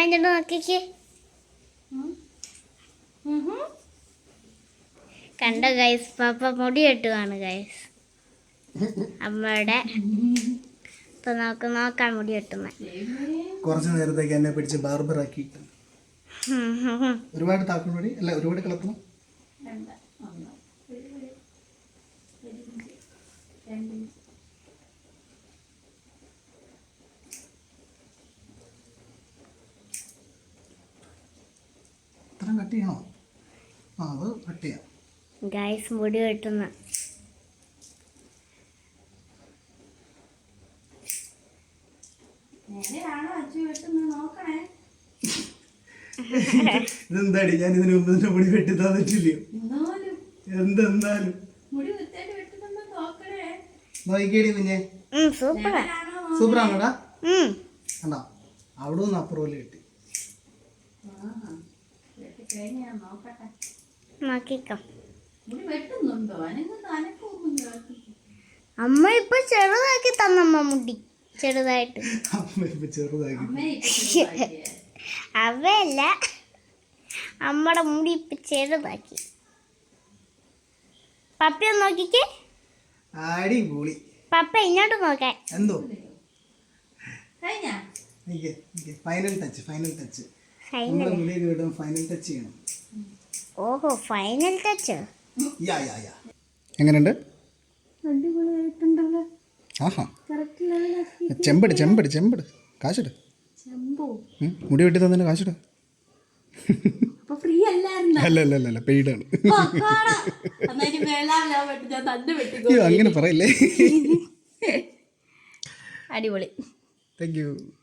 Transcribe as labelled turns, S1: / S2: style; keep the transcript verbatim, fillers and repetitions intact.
S1: ഇങ്ങോട്ട് നോക്കിക്കേ. കണ്ടോ ഗൈസ്, പാപ്പ മുടി കെട്ടുവാണ് ഗൈസ് അമ്മയുടെ. ഇപ്പൊ നമുക്ക് നോക്കാം മുടി കെട്ടുന്ന.
S2: കുറച്ച് നേരത്തേക്ക് എന്നെ പിടിച്ച് ബാർബർ ആക്കി. ഒരുപാട് താക്കണോടി അല്ല, ഒരുപാട് കളർത്തണം. ഇത്രയും കട്ട് ചെയ്യണോ? ആ, അത് കട്ട് ചെയ്യാം
S1: ഗൈസ്. മുടി കെട്ടുന്ന
S2: ഇതെന്താടി, ഞാൻ ഇതിന് മുമ്പ് തന്നെ മുടി വെട്ടി തന്നിട്ടില്ലയോ? എന്തെന്നാലും നോക്കിക്കേടി കുഞ്ഞെ, സൂപ്പറാണോടാ? കണ്ടോ, അവിടെ നിന്ന് അപ്പുറം കിട്ടി.
S1: നോക്കിക്കോ. അമ്മ ഇപ്പൊ ചെറുതാക്കി തന്നമ്മ മുടി, ചെറുതായിട്ട്. അവയല്ല, അമ്മടെ മുടി ഇപ്പൊ ചെറുതാക്കി. പപ്പ നോക്കിക്കേ.
S2: അടിപൊളി.
S1: പപ്പ ഇങ്ങോട്ട് നോക്കാൻ.
S2: എന്തോ final touch, final touch. Final touch ചെയ്യണം.
S1: ഓഹോ, ഫൈനൽ ടച്ച്.
S2: എങ്ങനെയുണ്ട്? ആഹാ, ചെമ്പട് ചെമ്പട് ചെമ്പട്. കാശിട്. മുടി വെട്ടി തന്നെ കാശിട്. അല്ല അല്ല അല്ല പെയ്ഡാണ്. അങ്ങനെ പറയല്ലേ.
S1: അടിപൊളി.
S2: Thank U.